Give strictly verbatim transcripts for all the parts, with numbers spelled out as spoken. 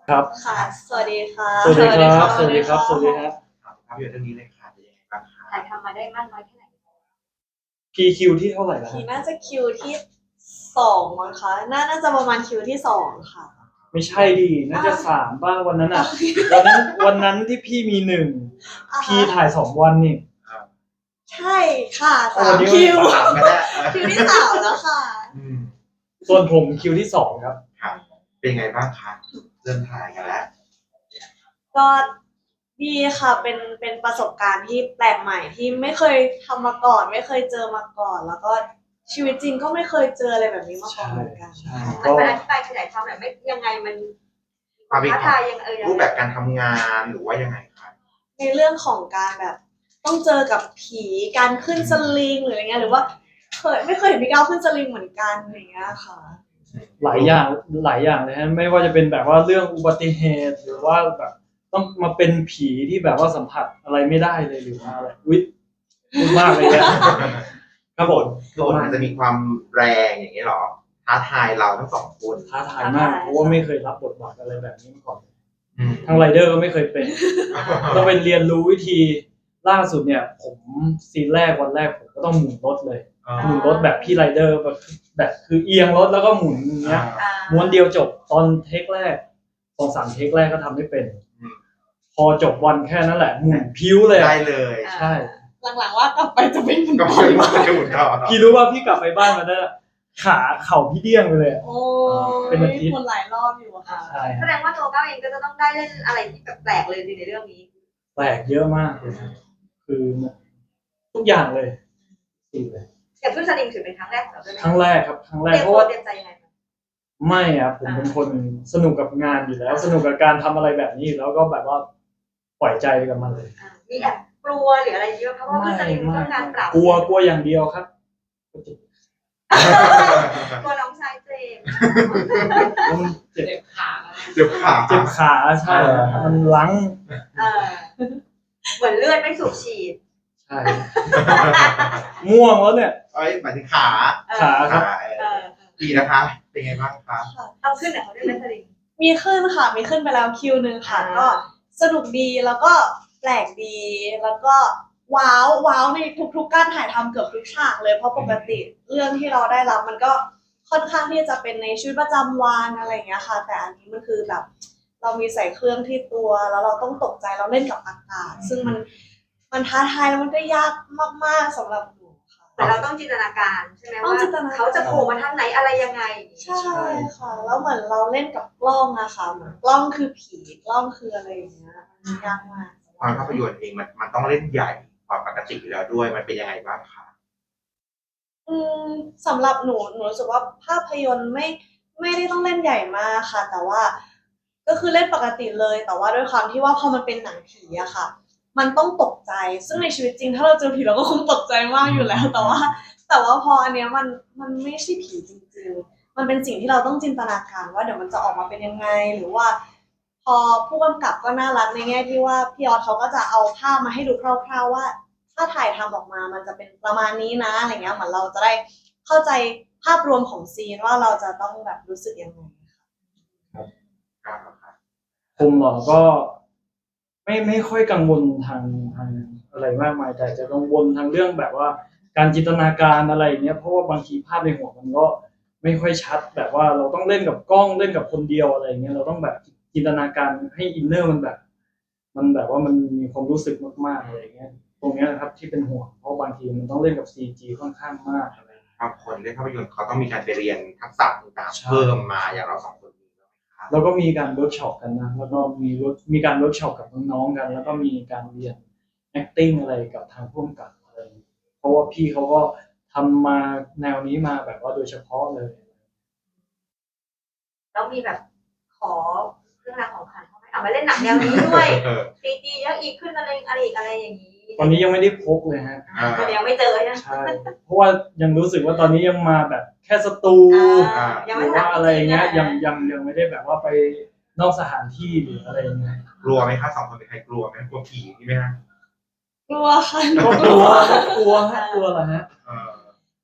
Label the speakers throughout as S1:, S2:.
S1: ครับ
S2: ค่ะสวัสดีค่ะ
S1: สวัสดีครับสวัสดีครับสวัสดีครับ
S3: ภาพยนตร์เรื่องนี้เลยค่ะเป็นยังไงบ้างคะ
S2: ถ่ายทำมาได้มากน้อยแค่ไหน
S1: พีคิวที่เท่าไหร่แล้ว
S2: พีน่าจะคิวที่สองมั้งคะน่าน่าจะประมาณคิวที่สองค่ะ
S1: ไม่ใช่ดิน่าจะสามบ้างวันนั้นอ่ะวันนั้นวันนั้นที่พี่มีหนึ่งพี่ถ่ายสองวันนี่
S2: ใช่ค่ะสา
S1: วั
S2: ม
S1: นนี้
S2: คิว
S3: สามก็ได้
S2: คิวที่สามแล้วค่ะ
S3: อืม
S1: ส่วนผมคิวที่สองครับ
S3: ครับเป็นยังไงบ้างคะเริ่มถ่ายกันแล้ว
S2: ก็ดีค่ะเป็นเป็นประสบการณ์ที่แปลกใหม่ที่ไม่เคยทำมาก่อนไม่เคยเจอมาก่อน แล้วก็ชีวิตจริงก็ไม่เคยเจออะไรแบบนี้มาก่อนเหมือนกัน
S1: ใช่
S4: มันมันอธิบายขยายความแบบไม่ยังไงมันความท้าทายยังเออยัง
S3: รูปแบบการทำงานหรือว่ายังไงคะ
S2: ในเรื่องของการแบบต้องเจอกับผีการขึ้นสลิงหรืออะไรเงี้ยหรือว่าเคยไม่เคยเห็นพี่ก้าวขึ้นสลิงเหมือนกันอย่างเงี้ยค่ะ
S1: หลายอย่างหลายอย่างเลยฮะไม่ว่าจะเป็นแบบว่าเรื่องอุบัติเหตุหรือว่าแบบต้องมาเป็นผีที่แบบว่าสัมผัสอะไรไม่ได้เลยหรือว่าอะไรอุ๊ยพูดมากเลยเนี่ยครับผม
S3: โหลดมันจะมีความแรงอย่างนี้หรอท้าทายเราทั้งสองคน
S1: ท้าทายมากเพราะว่าไม่เคยรับบทบาทอะไรแบบนี้มาก่อน
S3: อืม
S1: ทางไรเดอร์ก็ไม่เคยเป็นต้องไปเรียนรู้วิธีล่าสุดเนี่ยผมซีนแรกวันแรกผมก็ต้องหมุนรถเลยหมุนรถแบบพี่ไรเดอร์แบบแบบคือเอียงรถแล้วก็หมุนอย่างเงี้ย
S4: อ่า
S1: ม้วนเดียวจบตอนเทคแรกสองสามเทคแรกก็ทำไม่เป็น พอจบวันแค่นั้นแหละหมุนพิ้วเลย
S3: ได้เลย
S1: ใช่
S2: หลังๆว่ากลับไปจะเป็นเหมือน
S3: ก็
S2: กั
S3: ไม่
S2: น
S3: มาดูต่อ
S1: พี่รู้ว่าพี่กลับไปบ้านมาได้ขาเข่าพี่เดี้ยงไปเลย
S2: โอ้
S1: เป็นอาทิตย์
S2: คนหลายรอบอยู่อะค่ะ
S1: ใช่
S4: แสดงว่าตัวก้าวเองก็จะต้องได้เล่นอะไรที่แบบแปลกเลยในเรื่องนี้
S1: แปลกเยอะมากเลยคือทุกอย่างเลยสี่เลย
S4: อย่างขึ้นสลิงถือเป็นครั้งแรกของเราด้วยไหม
S1: ครั้งแรกครับครั้งแร
S4: เต
S1: ก
S4: รียม
S1: เพ
S4: ตัว
S1: ราะว่า
S4: เตรียมใจยังไงคะ
S1: ไม่อะผมเป็นคนสนุกกับงานอยู่แล้ว สนุกกับการทำอะไรแบบนี้แล้วก็แบบว่าปล่อยใจไปกับมันเลย
S4: อ่ามีแอบกลัวหรืออะไรเยอะเพราะว่าขึ้นสลิงต้องการปรับ
S1: กลัวกลัวอย่างเดียวครับ
S4: กลัวน้องชายเจมส์
S1: แล้วมันเจ็บ
S3: เดี๋ยวขา
S1: เจ็บขาใช่มันลัง
S4: เออเหมือนเลือดไม่สูบฉีด
S1: ใช่ม่วงแล้วเนี่ย
S3: เอ้ยหมายถึงขา
S4: เออ
S1: ขาครับ
S3: ขา
S4: เออ
S3: ดีนะคะ เป็นไงบ้างคะ
S4: เอาขึ้นเหรอเขาได้ไหมสลิง
S2: มีขึ้นค่ะมีขึ้นไปแล้วคิวหนึ่งค่ะ
S4: อ่า
S2: ก็สนุกดีแล้วก็แปลกดีแล้วก็ว้าวว้าวในทุกๆการถ่ายทำเกือบทุกฉากเลยเพราะปกติเรื่องที่เราได้รับมันก็ค่อนข้างที่จะเป็นในชีวิตประจำวันอะไรอย่างเงี้ยค่ะ แต่อันนี้มันคือแบบ เรามีใส่เครื่องที่ตัวแล้วเราต้องตกใจเราเล่นกับอากาศซึ่งมันมันท้าทายแล้วมันก็ยากมากๆสำหรับหนูค่ะ
S4: แต่เราต้องจินตนาการใช่ไหม
S2: ต้อง
S4: ว่า
S2: จินตนาการ
S4: เขาจะโผล่มาทางไหนอะไรยังไง
S2: ใช่ค่ะแล้วเหมือนเราเล่นกับกล้องอะค่ะเหมือนกล้องคือผีกล้องคืออะไรอย่างเงี้ยมันยากมาก
S3: ความภาพยนตร์เองมันมันต้องเล่นใหญ่กว่าปกติอยู่แล้วด้วยมันเป็นยังไงบ้างคะ
S2: อืมสำหรับหนูหนูรู้สึกว่าภาพยนตร์ไม่ไม่ได้ต้องเล่นใหญ่มากค่ะ แต่ว่าก็คือเล่นปกติเลย แต่ว่าด้วยความที่ว่าพอมันเป็นหนังผีอะค่ะ มันต้องตกใจ ซึ่งในชีวิตจริงถ้าเราเจอผีเราก็คงตกใจมากอยู่แล้ว แต่ว่า แต่ว่าพออันเนี้ยมันมันไม่ใช่ผีจริงๆ มันเป็นสิ่งที่เราต้องจินตนาการว่าเดี๋ยวมันจะออกมาเป็นยังไง หรือว่า พอผู้กำกับก็น่ารักในแง่ที่ว่าพี่ออสเขาก็จะเอาภาพมาให้ดูคร่าวๆว่า ถ้าถ่ายทำออกมามันจะเป็นประมาณนี้นะอะไรเงี้ยเหมือนเราจะได้เข้าใจภาพรวมของซีนว่าเราจะต้องแบบรู้สึกยังไง
S3: ครับค่ะ
S1: ผมเหรอก็ไม่ไม่ค่อยกังวลทางทางอะไรมากมายแต่จะกังวลทางเรื่องแบบว่า การจินตนาการอะไรอย่างเงี้ยเพราะว่าบางทีภาพในหัวมันก็ไม่ค่อยชัดแบบว่าเราต้องเล่นกับกล้องเล่นกับคนเดียวอะไรอย่างเงี้ยเราต้องแบบจินตนาการให้อินเนอร์มันแบบ มันแบบว่ามันมีความรู้สึกมากๆอะไรอย่างเงี้ยตรงเนี้ยนะครับที่เป็นห่วงเพราะบางทีมันต้องเล่นกับ ซี จี ค่อนข้างมากอะไร
S3: บางคนเล่นภาพยนตร์เขาต้องมีการไปเรียนทักษะต่าง
S1: ใช่
S3: ๆเพิ่มมาอย่างเราสองคนนี้ไหมคะ
S1: แล้วก็มีการเวิร์กช็อปกันนะแล้วก็มีเวิร์กมีการเวิร์กช็อปกับน้องๆกัน แล้วก็มีการเรียน acting อะไรกับทางผู้กำกับอะไรเพราะว่าพี่เขาก็ทำมาแนวนี้มาแบบว่าโดยเฉพาะเลย
S4: แล้วมีแบบขอเครื่องรางของขลังเขาไหมเอามาเล่นหนังแนวนี้ด้วย
S3: เออ
S4: ซีจีเยอะอีกขึ้นอะไรอะไรอีกอะไรอย่างนี้
S1: ตอนนี้ยังไม่ได้พกเลยฮะ
S3: อ่า
S4: มันยังไม่เจอใช่ไหม
S1: ใช่เพราะว่ายังรู้สึกว่าตอนนี้ยังมาแบบแค่สตู
S4: อ่า
S1: ห
S4: ยัง
S1: รื
S4: ไม่
S1: อว่าอะไรเงี้ย
S4: ทำ
S1: ยังยังยังไม่ได้แบบว่าไปนอกสถานที่หรืออะไรเงี้ย
S3: กลัวไหมคะสองคนเป็นใครกลัวไหมกลัวผีนี่ไหมฮะ
S2: กลัวค่ะ
S1: ก็กลัวก็กลัวฮะกลัวแหละฮะ
S3: เออ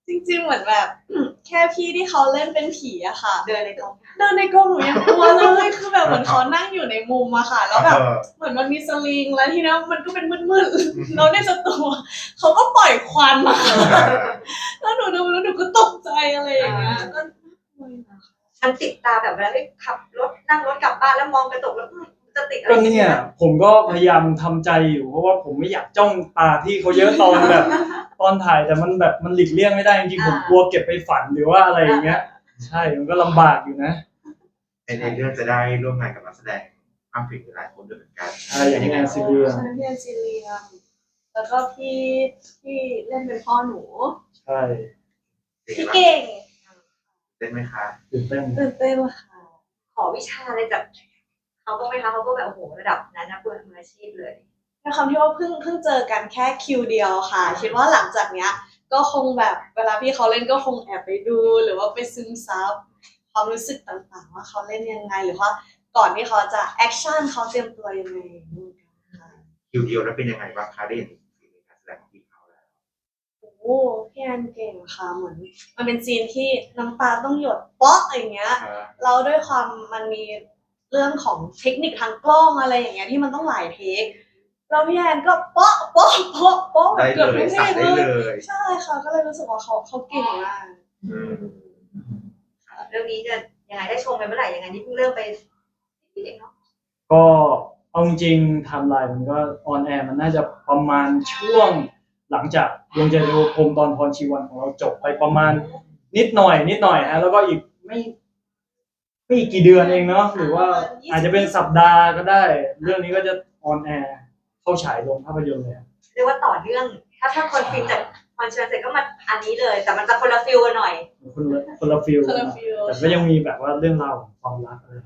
S2: จริงๆเหมือนแบบ แค่พี่ที่เขาเล่นเป็นผีอะค่ะ
S4: เดินในกอง
S2: เดินในกรงหนูยังกลัวเลยคือแบบเหมือนเขานั่งอยู่ในมุมอะค่ะ แล้วแบบ
S3: เออ
S2: เหมือนมันมีสลิงแล้วทีนี้มันก็เป็นมืดๆแล้วในสตูเขาก็ปล่อยควันมาแล้วหนูดูแล้วหนูก็ตกใจอะไรอย่างเงี้ยก็
S4: มันติดตาแบบเวลาที่ขับรถนั่งรถกลับบ้านแล้วมองกระจกแล้วอืมจะติดอะไร
S1: ก็เนี่ยผมก็พยายามทำใจอยู่เพราะว่าผมไม่อยากจ้องตาที่เขาเยอะตอนแบบ ตอนถ่ายแต่มันแบบมันหลีกเลี่ยงไม่ได้จริงๆผมกลัวเก็บไปฝันหรือว่าอะไรอย่างเงี้ย ใช่มันก็ลำบากอยู่นะ
S3: ในในเรื่องจะได้ร่วมงานกับนักแสดงมากถึงหลายคนด้วยเหมือนกัน
S1: ใช่อย่างแอนซิเลีย
S2: ใช่พี่แอนซิเลียมแล้วก็พี่ที่เล่นเป็นพ่อหนู
S1: ใช่
S2: พี่เก่ง
S3: เต้นไหมคะ
S1: ตื่นเต้น
S2: ตื่นเต้นค่ะ
S4: ขอวิชาอะไรจากเขาก็ไหมคะเขาก็แบบโอ้โหระดับนั้นนะเพื่อนมืออาชีพเลย
S2: ด้วยความที่ว่าเพิ่งเพิ่งเจอกันแค่คิวเดียวค่ะคิดว่าหลังจากเนี้ย ก็คงแบบเวลาพี่เขาเล่นก็คงแอบไปดู หรือว่าไปซึมซับความรู้สึกต่างๆ ว่าเขาเล่นยังไง หรือว่าก่อนที่เขาจะแอคชั่นเขาเตรียมตัวยังไงนู่นกันค่ะ
S3: คิวเดียวแล้วเป็นยังไงบ้างคะได้เห็นฝีมือการแสดงของพี่เขาแล้ว
S2: โอ้พี่แอนเก่งค่ะเหมือนมันเป็นซีนที่น้ำตาต้องหยดเป๊อกอย่างเงี้ย
S3: เออ
S2: เราด้วยความมันมีเรื่องของเทคนิคทางกล้องอะไรอย่างเงี้ยที่มันต้องหลายเทคแล้วพี่แอนก็เป๊อกเป๊อกเป๊อกเป๊อกแบ
S3: ได้
S2: บเกือบ
S3: เล
S2: ทุ
S3: ย
S2: กเพล
S3: สั่ง
S2: ง
S3: ได้
S2: เล
S3: เลย ย
S2: ใช่ค่ะก็เลยรู้สึกว่าเขาเขาเก่งมาก
S3: อืม
S4: เรื่องนี้จะยังไงได้ชมกันเมื่อไหร่ยังไงนี่เพิ่งเริ่มไปนิดเองเนาะ
S1: ก็เอาจริงๆไทม์ไลน์มันก็ออนแอร์มันน่าจะประมาณช่วงหลังจากดวงใจเทวพรหมตอนพรชีวันของเราจบไปประมาณนิดหน่อยนิดหน่อยฮะแล้วก็อีกไม่ไม่อีกกี่เดือนเองเนาะหรือว่าอาจจะเป็นสัปดาห์ก็ได้ เรื่องนี้ก็จะออนแอร์เข้าฉายลงภาพยนตร์เลย
S4: เรียกว่าต่อเนื่องถ้าถ้าคนฟินจากคอนเสิร์ตเสร็จก็มาอันนี้เลย แต่มันจะคนละฟิลกันหน่อย
S1: คนละคนละฟิล
S2: คนละฟิล
S1: แต่ก็ยังมีแบบว่าเรื่องราวของความรักอะไร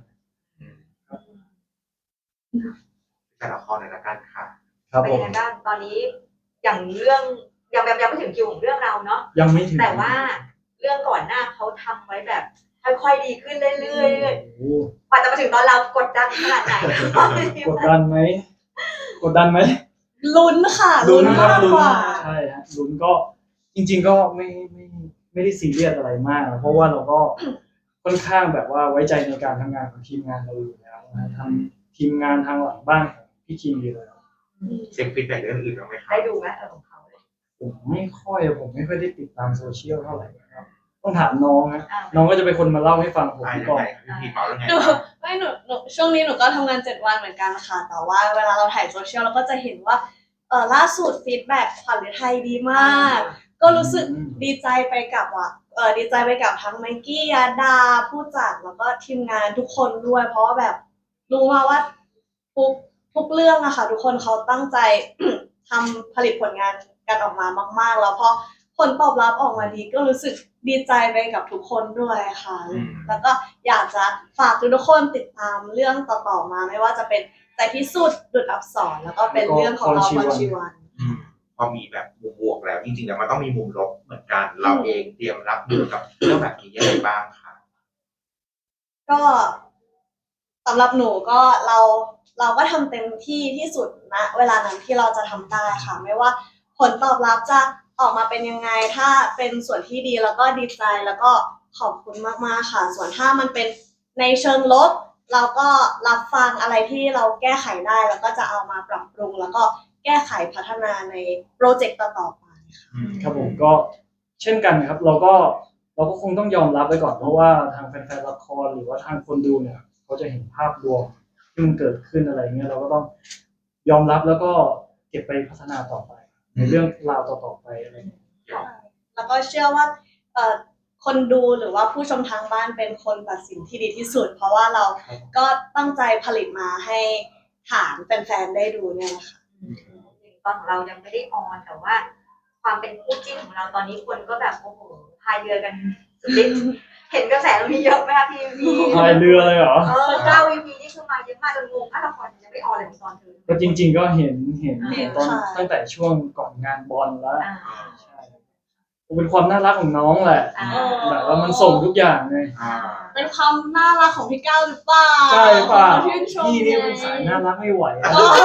S3: แต่ละครในละกันค่ะ
S1: ครับ
S4: เป็น
S1: ผ
S4: ยัง
S1: ม
S4: ไงบ้างตอนนี้อย่างเรื่องยังยังยังไม่ถึงคิวของเรื่องเราเนาะ
S1: ยังไม่ถึง
S4: แต่ว่าเรื่องก่อนหน้าเขาทำไว้แบบค่อยๆดีขึ้นเรื่อยๆ
S1: โอ้โห
S4: กว่าจะมาถึงตอนเรากดดันขนาดไหน
S1: กดดันไหมกดดันไหม
S2: ลุ้นค่ะ
S1: ลุ้
S2: ลุ้
S1: น
S2: น
S1: ครับ
S2: มาก
S1: ลุ้น
S2: กว่า
S1: ใช่ฮะลุ้นก็จริง ๆ ก็ไม่ไม่ไม่ได้ซีเรียสอะไรมากนะเพราะว่าเราก็ค่อนข้างแบบว่าไว้ใจในการทำงานของทีมงานเราอยู่แล้วนะทำทีมงานทางหลังบ้านของพี่คิมอยู่แล้ว
S3: เช็คฟีดแบ็กเรื่องอื่นบ้างไหมคะ
S4: ได้ดูไหมเออของเขาเลย
S1: ผมไม่ค่อยผมไม่ค่อยได้ติดตามโซเชียลเท่าไหร่ครับต้องถามน้องฮะ
S4: อ่า
S1: น้องก็จะเป็นคนมาเล่าให้ฟังผม
S3: อ่ายัง
S1: ก่อน
S3: ไงพี่พีเมาแล้วไง
S2: หนู
S3: บ้าง
S2: ไม่หนูหนูช่วงนี้หนูก็ทำงานเจ็ดวันเหมือนกันค่ะ แต่ว่าเวลาเราถ่ายโซเชียลเราก็จะเห็นว่าเออล่าสุดฟีดแบ็กขวัญฤทัยดีมาก ก็รู้สึกดีใจไปกับว่าเออดีใจไปกับทั้งไมกี้ยาดาผู้จัดแล้วก็ทีมงานทุกคนด้วย เพราะว่าแบบรู้มาว่าทุกทุกเรื่องอะค่ะ ทุกคนเขาตั้งใจ ทำผลิตผลงานกันออกมามาก ๆ แล้วพอผลตอบรับออกมาดีก็รู้สึกดีใจไปกับทุกคนด้วยค่ะ แล้วก็อยากจะฝากทุกคนติดตามเรื่องต่อๆมาไม่ว่าจะเป็นใจพิสูจน์ดุจอับสรแล้วก็เป็นเรื่องของเราพรชีวัน
S3: อืมพอมีแบบมุมบวกแล้วจริงๆแล้วมันต้องมีมุมลบเหมือนกัน เราเองเตรียมรับมือกับเรื่องแบบนี้ยังไงบ้างคะ
S2: ก็สำหรับหนูก็เราเราก็ทำเต็มที่ที่สุดนะเวลานั้นที่เราจะทำได้ค่ะ ไม่ว่าผลตอบรับจะออกมาเป็นยังไง ถ้าเป็นส่วนที่ดีแล้วก็ดีใจแล้วก็ขอบคุณมากๆค่ะ ส่วนถ้ามันเป็นในเชิงลบ เราก็รับฟังอะไรที่เราแก้ไขได้แล้วก็จะเอามาปรับปรุง แล้วก็แก้ไขพัฒนาในโปรเจกต์ต่อๆไปค่ะ
S3: อืม
S1: ครับผมก็เช่นกันครับ เราก็เราก็คงต้องยอมรับไว้ก่อนเพราะว่าทางแฟนๆละครหรือว่าทางคนดูเนี่ยเขาจะเห็นภาพรวมที่มันเกิดขึ้นอะไรเงี้ยเราก็ต้องยอมรับแล้วก็เก็บไปพัฒนาต่อไป ในเรื่องราวต่อๆไปอะไรเงี้ย
S2: แล้วก็เชื่อว่าเอ่อคนดูหรือว่าผู้ชมทางบ้านเป็นคนตัดสินที่ดีที่สุด เพราะว่าเราก็ตั้งใจผลิตมาให้ฐานแฟนๆได้ดูเนี่ยนะคะ
S4: ตอนของเรายังไม่ได้ออนแต่ว่า ความเป็นคู่จิ้นของเราตอนนี้คนก็แบบโอ้โหพายเรือกันสุดฤทธิ์เห็นกระแสเรามีเยอะไหมคะพี่วี
S1: พายเรือเลยเหรอ
S4: เออเก้าวีพีนี่คือมาเยอะมากจนงงอ่ะละครยังไม่ออนเลยตอนเธอ
S1: ก็จริง ๆ ก็เห็นเห็น
S4: เห็น
S1: ตอน
S2: ค่ะ
S1: ตั้งแต่ช่วงก่อนงานบอลแล้ว
S4: อ่า
S1: ใช่เป็นความน่ารักของน้องแหละ
S4: อ่า
S1: แบบว่ามันส่งทุกอย่างไง
S3: อ่า
S2: เป็นความน่ารักของพี่ก้าวหรือเปล่า
S1: ใช่ป่ะ
S2: ชื่นชม
S1: พี่นี่เป็นสายน่ารักไม่ไหวอะ
S2: เออ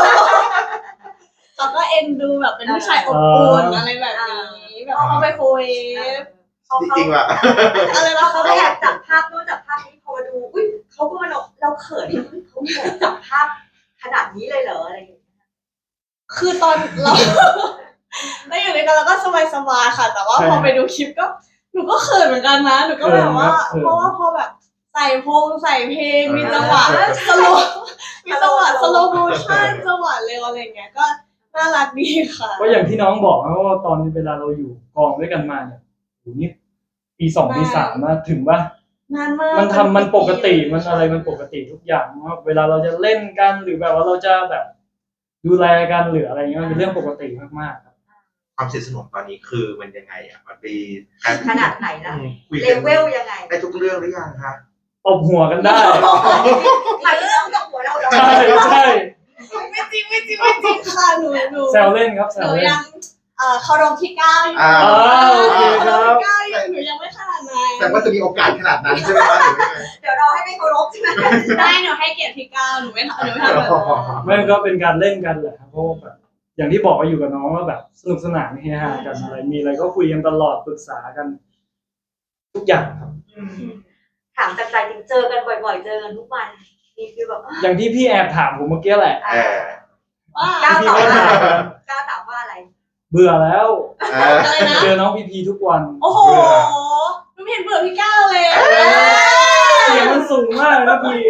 S2: เขาก็เอ็นดูแบบเป็นผู้ชายอบอุ่นอะไรแบบนี้แบบเข้าไปคุย
S4: เขา
S3: จริงๆว่ะ
S2: อะไรนะ
S4: เขา
S2: คะ
S4: ก็แอบจับภาพนู่นจับภาพนี้พอมาดูอุ้ยเขาก็มาเราเราเขินที่เขาแอบจับภาพขนาดนี้เลยเหรออะไรอย่างเงี้ย
S2: คือตอนเราเราอยู่ด้วยกันเราก็สบายๆค่ะ แต่ว่าพอไปดูคลิปก็หนูก็เขินเหมือนกันนะหนูก็แบบว่า เพราะว่าพอแบบใส่พงใส่เพลงมีจังหวะสโลมีจังหวะสโลโมชั่นจังหวะเร็วอะไรเงี้ยก็น่ารักดีค่ะ
S1: ก็อย่างที่น้องบอกนะว่าตอนเวลาเราอยู่กองด้วยกันมาเนี่ยโหนี่ปีสองปีสามมาถึงว่าน
S2: านมาก
S1: มันทำมันปกติมันอะไรมันปกติทุกอย่างว่าเวลาเราจะเล่นกันหรือแบบว่าเราจะแบบดูแลกันหรืออะไรเงี้ยมันเป็นเรื่องปกติมากๆครับ
S3: ความสนิทสนมตอนนี้คือมันยังไงอ่ะมันมีการ
S4: ขนาดไหนล่ะ
S3: คุย
S4: เล
S3: กัน
S4: เวลยังไง
S3: ได้ทุกเรื่องหรือยังคะ
S1: ตบหัวกันได้
S4: หมายถึงเรื่องกับหัวเราเหรอ
S1: ใช่ใช่
S2: ไม่จริงไม่จริงไม่จริงค่ะหนูหนู
S1: แซวเล่นครับแซ
S2: หนู
S1: วเล่น
S2: ยังเอ่อเคารพพี่ก้าวอยู่
S3: อ่า
S1: อ่าโอเคครับ
S2: พี่ก้าวอยู่หนูยังไม่ขนาดนั้น
S3: แต่ว่าจะมีโอกาสขนาดนั้นใช่ไหมคะหรือยังไง
S4: เดี๋ยวเราให้ไม่เคารพใช่ไหม
S2: ได้หนูให้เกียรติพี่ก้าวหนูไม่ทำหนูไม่ทำแบบนั้น
S1: ไม่ก็เป็นการเล่นกันแหละครับเพราะว่าแบบอย่างที่บอกว่าอยู่กับน้องแล้วแบบสนุกสนานเฮฮากันอะไรมีอะไรก็คุยกันตลอดปรึกษากัน ทุกอย่างครับ
S4: ถามจากใจจริงเจอกันบ่อยๆ เจอกันทุกวันมีฟีลแบบ
S1: อย่างที่พี่แอบถามผมเมื่อกี้แหละ
S3: เออ
S2: ว่า
S4: ก้าว
S1: พี่
S4: ตอบ
S1: ก็
S4: ว่า
S1: ถาม
S4: ก้าวตอบว่าอะไร
S1: เบื่อแล้ว
S3: เออ
S2: อะไรนะ
S1: เจอน้องพีพีทุกวัน
S2: โอ้โหหนูไม่เห็นเบื่อพี่ก้าวเลย
S1: เสียงมันสูงมากนะพี่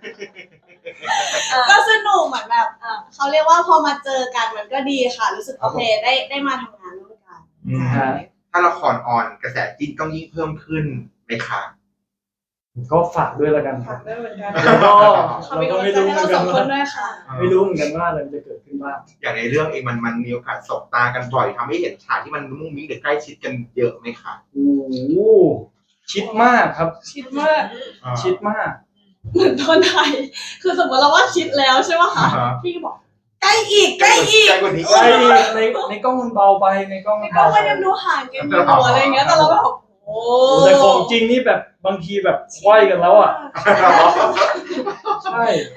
S2: ก็สนุกเหมือนแบบเขาเรียกว่าพอมาเจอกันมันก็ดีค่ะ รู้สึกโอเคได้ได้มาทำงานร่วมกัน
S3: อืมถ้าละครออนกระแสจิ้นต้องยิ่งเพิ่มขึ้นไหมคะ
S1: ก็ฝากด้วยแล้วกันค
S2: ฝา
S1: รับ
S2: กด้วยเหมือนกัน
S1: แล้วก็
S2: เขา
S1: เรา
S2: มี
S1: ก็
S2: กำลัง
S1: ไม่
S2: ใจ
S1: รู้
S2: ให้
S1: เหมื
S2: เรา
S1: อน
S2: ส
S1: กั
S2: อน งคน
S1: ว่า
S2: ด้วยค่ะ
S1: ไม่รู้เหมือนกันว่าอะไรมันจะเกิดขึ้นบ้าง
S3: อย่างในเรื่องเองมันมันมีโอกาสสบตากันบ่อยทำให้เห็นฉากที่มันมุ่งมิ้งหรือใกล้ชิดกันเยอะไหมคะ
S1: โอ้โหชิดมากครับ
S2: ชิดมาก
S1: ชิดมาก
S2: เหมือนตอนไทยคือสมมติเราว่าชิดแล้วใช่ไหมคะพี่ก็บอกใกล้อีกใกล้อีก
S3: ใกล้กว่านี้
S1: ใช่ในในกล้องมันเบาไปในกล้องมัน
S2: ก็
S1: เบาไป
S2: มันยังดูห่างกันอยู่อะไรเงี้ยแต่เราแบบโอ้
S1: แต่ของจริงนี่แบบบางทีแบบไขว้กันแล้วอ่ะใช่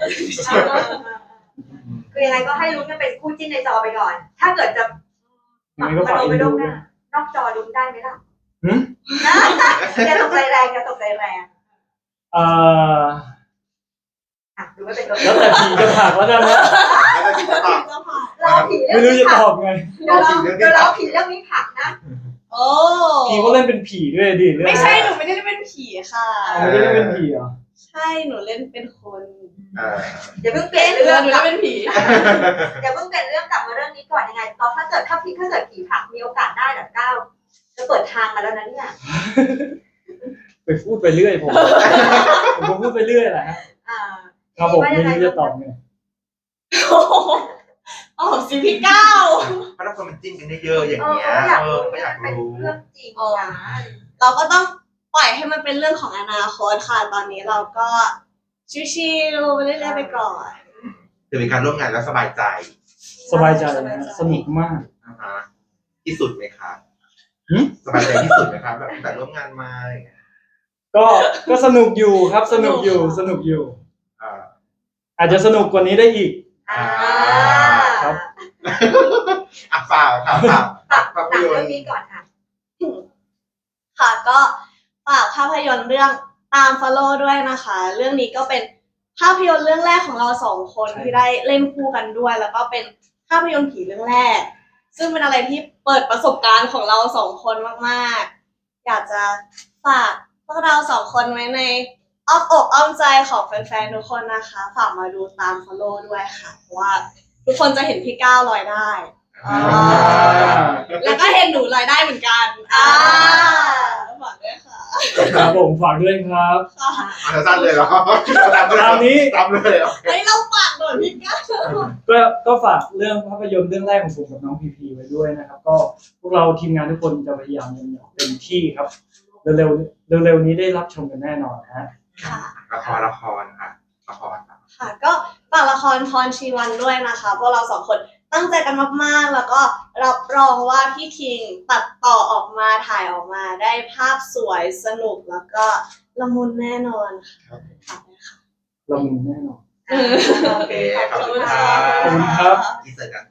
S4: คือยังไงก็ให้ลุ้นกันเป็นคู่จิ้นในจอไปก่อน ถ้าเกิดจะ
S1: ยังไงก็ฝาก
S4: ไป
S1: อิน
S4: ล
S1: ดู
S4: ง
S1: ด้วย
S4: นอกจอลุ้นได้ไหมล่ะ
S1: หืม
S4: นะอย่าตกใจแรงอย่าตกใจแรง
S1: เอ่อ
S4: อ่ะดูไม่เป็นตัว
S1: แล้วแต่ผีจะผลักแล้วกันนะ
S3: แล้วก็ที่จะตอบ
S4: เราผีเรื่
S1: ไม่
S4: อง
S1: รู้
S4: นี้
S1: จะ
S4: ผั
S1: ต
S4: ก
S1: อบไง
S4: เดี๋ยวเราเดี๋ยวเราผีเรื่องนี้ผักนะ
S2: โอ้
S1: ผีเขาเล่นเป็นผีด้วยดิเรื่อง
S2: ไม่ใช่หนูไม่ได้เป็นผีค่ะ
S1: เขาไม่ได้เล่นเป็นผีเหรอ
S2: ใช่หนูเล่นเป็นคน
S3: เออ
S4: อย่าเพิ่งเปลี่ยน
S2: หนู
S4: เรื่อง
S2: เล่น
S4: กลับ
S2: เป็นผี
S4: อย่าเพิ่งเปลี่ยนเรื่องกลับมาเรื่องนี้ก่อนยังไงตอนถ้าเกิดถ้าพี่ถ้าเกิดผีผักมีโอกาสได้แบบก้าวจะเปิดทางมาแล้วนะเนี่ย
S1: ไปพูดไปเรื่อยผมผมก็พูดไปเรื่อยแหละฮะ
S4: อ่า
S1: ครับผมไม่รู้จะตอบไง
S2: อ๋อสิพี่เก้า
S3: เพราะถ้าคนมันจิ้นกันได้เยอะอย่าง
S4: เออ
S3: เงี้ย
S4: อยาก
S3: เออ
S4: รู้
S3: ก็อยาก
S4: เป็น
S3: รู้
S4: เรื่องจริงนะ
S2: เราก็ต้องปล่อยให้มันเป็นเรื่องของอนาคตค่ะ ตอนนี้เราก็ชิวๆไปเรื่อยๆไปก่อน
S3: จะเป็นการร่วมงานแล้วสบายใจ
S1: สบายใจนะฮะสนุกมาก
S3: นะฮะที่สุดไหมคะ
S1: หืม
S3: สบายใจที่สุดไหมครับแบบตั้งแต่ร่วมงานมาอะไรอย่างเงี้ย
S1: ก็ก็สนุกอยู่ครับสนุกอยู่สนุกอยู่
S3: อ่า
S1: อาจจะสนุกกว่านี้ได้อีก
S4: อ่า
S1: ครับ
S3: อ่ะฝากครับฝาก
S4: ตัด
S3: ภาพ
S4: หนัง
S3: ยน
S4: เรื่อ
S3: ต
S4: ง
S3: ร์
S4: นี้ก่อนค่ะ
S2: ค่ะก็ฝากภาพยนตร์เรื่องตาม follow ด้วยนะคะ เรื่องนี้ก็เป็นภาพยนตร์เรื่องแรกของเราสองคน
S1: ใช่
S2: ที่ได้เล่นคู่กันด้วย แล้วก็เป็นภาพยนตร์ผีเรื่องแรก ซึ่งเป็นอะไรที่เปิดประสบการณ์ของเราสองคนมากๆ อยากจะฝากพวกเราสองคนไว้ในอ้อมอกอ้อมใจของแฟนๆทุกคนนะคะ ฝากมาดูตาม follow ด้วยค่ะเพราะว่าทุกคนจะเห็นพี่ก้าวลอยได้
S3: อ่า
S2: แล้วก็เห็นหนูลอยได้เหมือนกันอ่าฝากด้วยค่ะ
S1: ครับผมฝากด้วยครับ
S3: เอาสั้นเลยเหรอตามเลยเหรอ
S1: ตามนี้
S3: ตามเลยเหรอ
S2: เฮ้ยเราฝากหน่อยพี่ก้าว
S1: ก็ก็ฝากเรื่องภาพยนตร์เรื่องแรกของผมกับน้องพีพีไว้ด้วยนะครับ ก็พวกเราทีมงานทุกคนจะพยายามอย่างเต็มที่ครับ เร็วๆเร็วๆนี้ได้รับชมกันแน่นอนนะฮะ
S2: ค่ะ
S3: ละครละครค่ะละครครับ
S2: ค่ะ ก็ฝากละครพรชีวันด้วยนะคะพวกเราสองคนตั้งใจกันมากๆ แล้วก็รับรองว่าพี่คิงตัดต่อออกมาถ่ายออกมาได้ภาพสวยสนุกแล้วก็ละมุนแน่นอนค่ะฝากด้วยค่ะ
S1: ละมุนแน่นอน
S3: โอเคขอบคุณครั
S1: ขอบคุณ
S3: บ
S1: ครับ
S3: ที่เจอกัน